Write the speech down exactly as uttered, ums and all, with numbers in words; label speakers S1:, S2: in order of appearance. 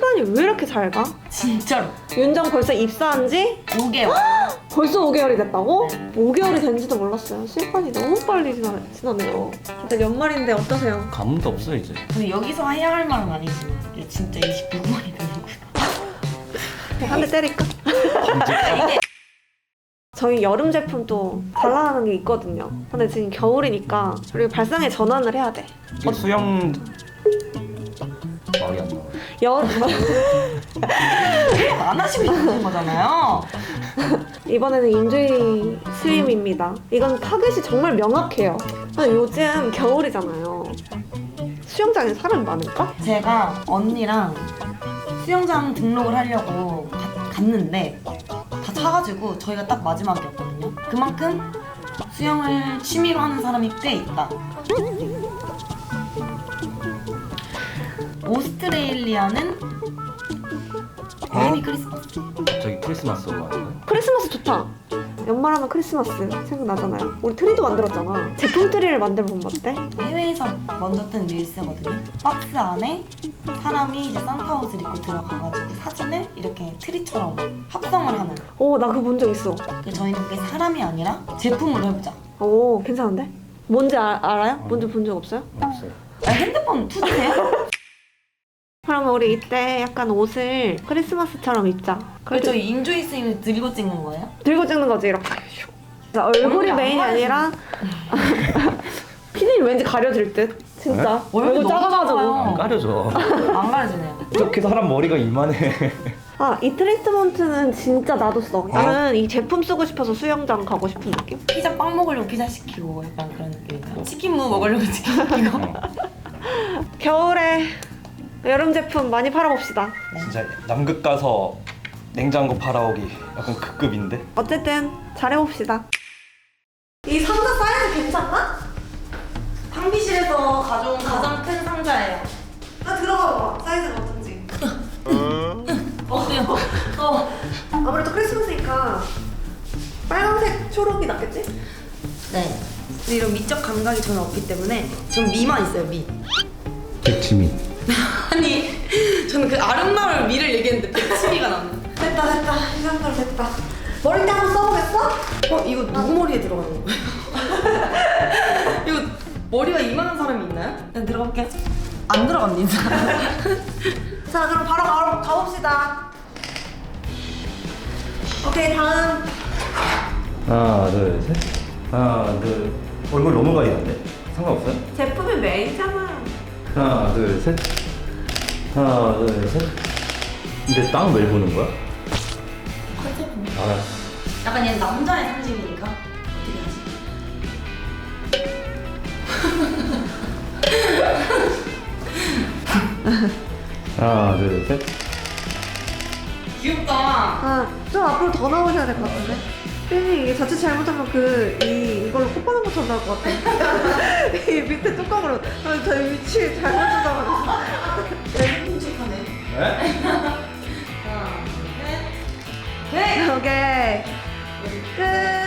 S1: 시간이 왜 이렇게 잘 가?
S2: 진짜로.
S1: 윤정 벌써 입사한 지
S2: 오 개월.
S1: 벌써 오 개월이 됐다고?
S2: 네.
S1: 오 개월이 된지도 몰랐어요. 시간이 너무 빨리 지나, 지나네요. 일단 연말인데 어떠세요?
S3: 감도 없어 이제.
S2: 근데 여기서 해야 할 말은 아니지만 이게 진짜 이십육 만이 되는구나.
S1: 한 대 때릴까? 저희 여름 제품도 발라하는 게 있거든요. 근데 지금 겨울이니까 우리 발상에 전환을 해야 돼.
S3: 이게 수영 말이 안 나와.
S1: 여...
S2: 안 하시고 있는 거잖아요.
S1: 이번에는 인조이 스림입니다. 이건 타겟이 정말 명확해요. 근데 요즘 겨울이잖아요. 수영장에 사람 많을까?
S2: 제가 언니랑 수영장 등록을 하려고 가, 갔는데 다 차가지고 저희가 딱 마지막이었거든요. 그만큼 수영을 취미로 하는 사람이 꽤 있다. 오스트레일리아는 메리 크리스마스.
S3: 저기 크리스마스로 가는 거야?
S1: 크리스마스 좋다. 연말하면 크리스마스 생각나잖아요. 우리 트리도 만들었잖아. 제품 트리를 만들어 본 거 어때?
S2: 해외에서 먼저 뜬 릴스거든요. 박스 안에 사람이 이제 산타 옷을 입고 들어가가지고 사진을 이렇게 트리처럼 합성을 하는.
S1: 오, 나 그거 본 적 있어.
S2: 그래서 저희는 그게 사람이 아니라 제품으로 해보자.
S1: 오, 괜찮은데? 뭔지 아, 알아요? 뭔지 본 적 없어요?
S3: 없어요.
S2: 아, 핸드폰 투지세요?
S1: 그러면 우리 이때 약간 옷을 크리스마스처럼 입자.
S2: 그래 저희 인조이 스윙을 들고 찍는 거예요?
S1: 들고 찍는 거지, 이렇게. 자, 얼굴이
S2: 얼굴이
S1: 메인이
S2: 안
S1: 아니라 피디님 왠지 가려질 듯. 진짜.
S2: 얼굴이
S1: 얼굴
S2: 너무
S1: 작아가지고.
S2: 작아요.
S3: 안 가려져.
S2: 안 가려지네요.
S3: 이렇게 사람 머리가 이만해.
S1: 아, 이 트리트먼트는 진짜 나도 써. 나는 이 제품 쓰고 싶어서 수영장 가고 싶은 느낌?
S2: 피자 빵 먹으려고 피자 시키고 약간 그런 느낌이다. 치킨 무 먹으려고 치킨 시키고.
S1: 겨울에 여름 제품 많이 팔아봅시다.
S3: 진짜 남극 가서 냉장고 팔아오기 약간 그 급인데?
S1: 어쨌든 잘해봅시다. 이 상자 사이즈 괜찮나?
S2: 탕비실에서 가져온 가장 큰 상자예요.
S1: 나 들어가 봐. 사이즈가 어떤지.
S2: 어때요? 어.
S1: 아무래도 크리스마스니까 빨간색, 초록이 낫겠지?
S2: 네. 근데 이런 미적 감각이 저는 없기 때문에 전 미만 있어요, 미.
S3: 백치미.
S2: 아니, 저는 그 아름다울 미를 얘기했는데 백치미가 나는.
S1: 됐다 됐다. 이 정도로 됐다. 머리띠 한번 써보겠어?
S2: 어, 이거 누구 머리에 들어가는 거예요? 이거 머리가 이만한 사람이 있나요? 일단 들어볼게요. 안 들어갑니다.
S1: 자, 그럼 바로 가, 가봅시다. 오케이, 다음.
S3: 하나 둘 셋. 하나 둘. 얼굴 너무 가리는데? 상관없어요?
S1: 제품이 메인이잖아.
S3: 하나 둘 셋. 하나 둘 셋. 근데 땅 왜 보는 거야?
S2: 컨셉은
S3: 알았어.
S2: 약간 얘 남자의 상징이니까 어떻게 하지?
S3: 하나 둘 셋.
S2: 귀엽다.
S1: 아, 좀 앞으로 더 나오셔야 될 것 같은데? 삐님 이게 자칫 잘못하면 그, 이, 이걸로 코 파는 것처럼 나올 것 같아. 이 밑에 뚜껑으로. 아, 저 위치 잘못 주다가.
S2: 네, 끔찍하네.
S3: 네?
S2: 하나, 둘, 셋. 네!
S1: 오케이. 끝.